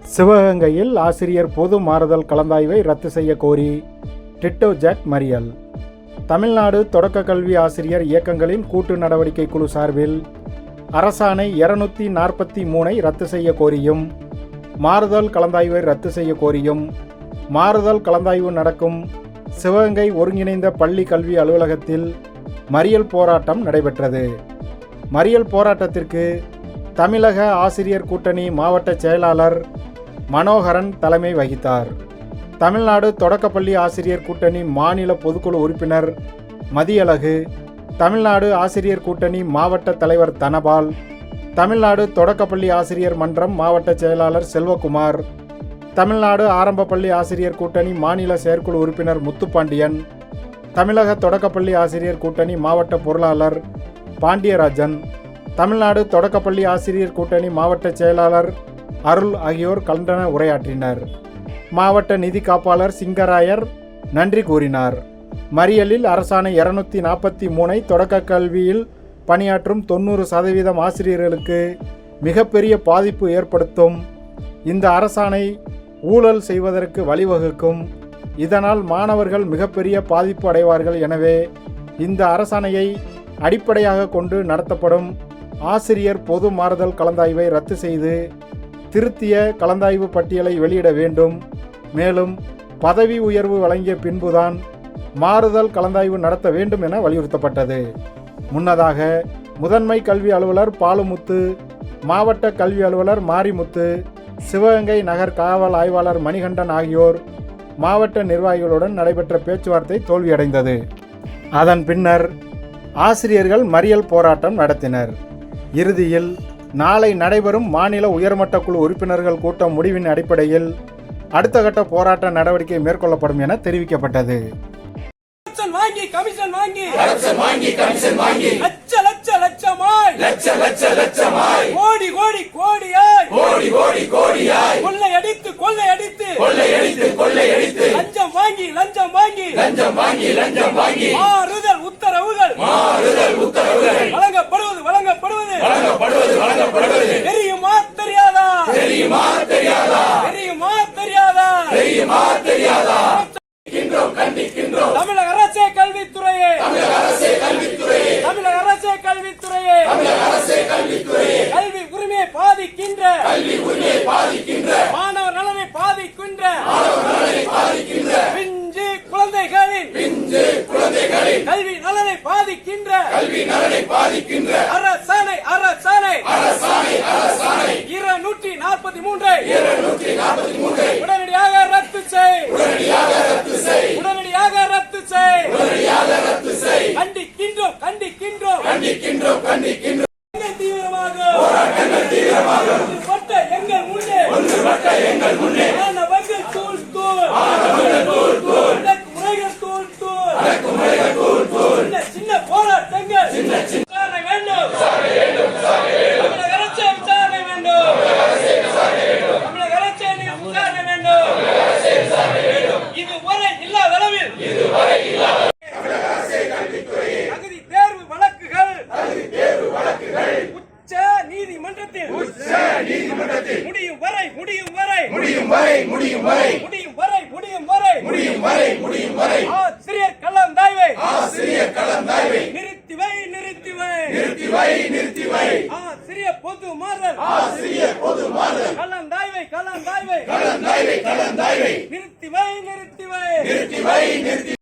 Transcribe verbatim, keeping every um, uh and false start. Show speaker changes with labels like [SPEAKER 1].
[SPEAKER 1] சிவகங்கையில் ஆசிரியர் பொது மாறுதல் கலந்தாய்வை ரத்து செய்ய கோரி டிட்டோ ஜாக் மறியல். தமிழ்நாடு தொடக்க கல்வி ஆசிரியர் இயக்கங்களின் கூட்டு நடவடிக்கை குழு சார்பில் அரசாணை இருநூத்தி நாற்பத்தி மூணை ரத்து செய்ய கோரியும் மாறுதல் கலந்தாய்வை ரத்து செய்ய கோரியும் மாறுதல் கலந்தாய்வு நடக்கும் சிவகங்கை ஒருங்கிணைந்த பள்ளி கல்வி அலுவலகத்தில் மறியல் போராட்டம் நடைபெற்றது. மறியல் போராட்டத்திற்கு தமிழக ஆசிரியர் கூட்டணி மாவட்ட செயலாளர் மனோகரன் தலைமை வகித்தார். தமிழ்நாடு தொடக்கப்பள்ளி ஆசிரியர் கூட்டணி மாநில பொதுக்குழு உறுப்பினர் மதியழகு, தமிழ்நாடு ஆசிரியர் கூட்டணி மாவட்ட தலைவர் தனபால், தமிழ்நாடு தொடக்கப்பள்ளி ஆசிரியர் மன்றம் மாவட்ட செயலாளர் செல்வகுமார், தமிழ்நாடு ஆரம்பப்பள்ளி ஆசிரியர் கூட்டணி மாநில செயற்குழு உறுப்பினர் முத்துப்பாண்டியன், தமிழக தொடக்கப்பள்ளி ஆசிரியர் கூட்டணி மாவட்ட பொருளாளர் பாண்டியராஜன், தமிழ்நாடு தொடக்கப்பள்ளி ஆசிரியர் கூட்டணி மாவட்ட செயலாளர் அருள் ஆகியோர் கண்டன உரையாற்றினர். மாவட்ட நிதி காப்பாளர் சிங்கராயர் நன்றி கூறினார். மறியலில் அரசாணை இருநூத்தி நாற்பத்தி மூணை தொடக்க கல்வியில் பணியாற்றும் தொண்ணூறு சதவீதம் ஆசிரியர்களுக்கு மிகப்பெரிய பாதிப்பு ஏற்படுத்தும். இந்த அரசாணை ஊழல் செய்வதற்கு வழிவகுக்கும். இதனால் மாணவர்கள் மிகப்பெரிய பாதிப்பு அடைவார்கள். எனவே இந்த அரசாணையை அடிப்படையாக கொண்டு நடத்தப்படும் ஆசிரியர் பொது மாறுதல் கலந்தாய்வை ரத்து செய்து திருத்திய கலந்தாய்வு பட்டியலை வெளியிட வேண்டும். மேலும் பதவி உயர்வு வழங்கிய பின்புதான் மாறுதல் கலந்தாய்வு நடத்த வேண்டும் என வலியுறுத்தப்பட்டது. முன்னதாக முதன்மை கல்வி அலுவலர் பாலுமுத்து, மாவட்ட கல்வி அலுவலர் மாரிமுத்து, சிவகங்கை நகர் காவல் ஆய்வாளர் மணிகண்டன் ஆகியோர் மாவட்ட நிர்வாகிகளுடன் நடைபெற்ற பேச்சுவார்த்தை தோல்வியடைந்தது. அதன் பின்னர் ஆசிரியர்கள் மறியல் போராட்டம் நடத்தினர். இறுதியில் நாளை நடைபெறும் மாநில உயர்மட்ட குழு உறுப்பினர்கள் கூட்டம் முடிவின் அடிப்படையில் அடுத்த கட்ட போராட்ட நடவடிக்கை மேற்கொள்ளப்படும் என தெரிவிக்கப்பட்டது.
[SPEAKER 2] வாங்கி கமிஷன் வாங்கி வாங்கி கமிஷன் வாங்கி லட்ச லட்ச லட்சமாய் லட்ச லட்ச லட்சமாய் கோடி கோடி கோடியாய் கோடி கோடி கோடியாய் கொள்ளை அடித்து கொள்ளை அடித்து கொள்ளை அடித்து கொள்ளை அடித்து லஞ்சம் வாங்கி லஞ்சம் வாங்கி லஞ்சம் வாங்கி லஞ்சம் வாங்கி மாறுதல் உத்தரவுகள் மாறுதல் உத்தரவுகள் வழங்கப்படுவது வழங்கப்படுவது வழங்கப்படுவது வழங்கப்படுவது தெரியுமா தெரியாதா தெரியுமா தெரியாதா தெரியுமா தெரியாதா தெரியுமா தெரியாதா கண்டிக்கின்றோம். தமிழக அரசே கல்வித்துறையே தமிழக அரசே கல்வித்துறையே தமிழக அரசே கல்வித்துறையே தமிழக அரசே கல்வித்துறையே கல்வி உரிமையை பாதிக்கின்ற கல்வி உரிமையை பாதிக்கின்ற மாணவர் நலனை பாதிக்கின்ற மாணவர் நலனை பாதிக்கின்ற பிஞ்சு குழந்தைகளின் பிஞ்சு குழந்தைகளின் கல்வி நலனை பாதிக்கின்ற கல்வி நலனை பாதிக்கின்ற அரசாணை அரசாணை அரசாணை அரசாணை இருநூற்றி நாற்பத்தி மூன்று இருநூற்றி நாற்பத்தி மூன்று உடனடியாக ரத்து செய் உடனடியாக ரத்து செய் உடனடியாக ரத்து செய் உடனடியாக ரத்து செய் கண்டிக்கின்றோம் கண்டிக்கின்றோம் கண்டிக்கின்றோம் கண்டிக்கின்றோம் தீவிரமாக போராட்டங்கள் தீவிரமாக ஒன்றுபட்ட எங்கள் முன்னே ஒன்றுபட்ட எங்கள் முன்னே மாணவர்கள் தூள் தூள் மாணவர்கள் தூள் தூள் அடக்குமுறைகள் தூள் தூள் அடக்குமுறைகள் தூள் தூள் சின்ன சின்ன போராட்டங்கள் சின்ன சின்ன விசாரணை வேண்டும் விசாரணை வேண்டும் விசாரணை வேண்டும் தமிழக அரசே விசாரணை வேண்டும் தமிழக அரசே விசாரணை வேண்டும் தமிழக அரசே விசாரணை வேண்டும் தமிழக அரசே விசாரணை வேண்டும் இதுவரை இல்லாத அளவில் இதுவரை இல்லாத தமிழக அரசே கல்வித்துறையே தகுதி தேர்வு வழக்குகள் தகுதி தேர்வு வழக்குகள் உச்ச நீதிமன்றத்தில் உச்ச நீதிமன்றத்தில் முடியும் வரை முடியும் வரை முடியும் வரை முடியும் வரை முடியும் வரை முடியும் வரை முடியும் வரை முடியும் வரை ஆசிரியர் கலந்தாய்வை ஆசிரியர் கலந்தாய்வை நிறுத்தி வை நிறுத்தி வை நிறுத்தி வை நிறுத்தி வை ஆசிரியர் பொது மாறுதல் ஆசிரியர் பொது மாறுதல் கலந்தாய்வை கலந்தாய்வை கலந்தாய்வை கலந்தாய்வை நிறுத்தி வை நிறுத்தி வை நிறுத்தி வை நிறுத்தி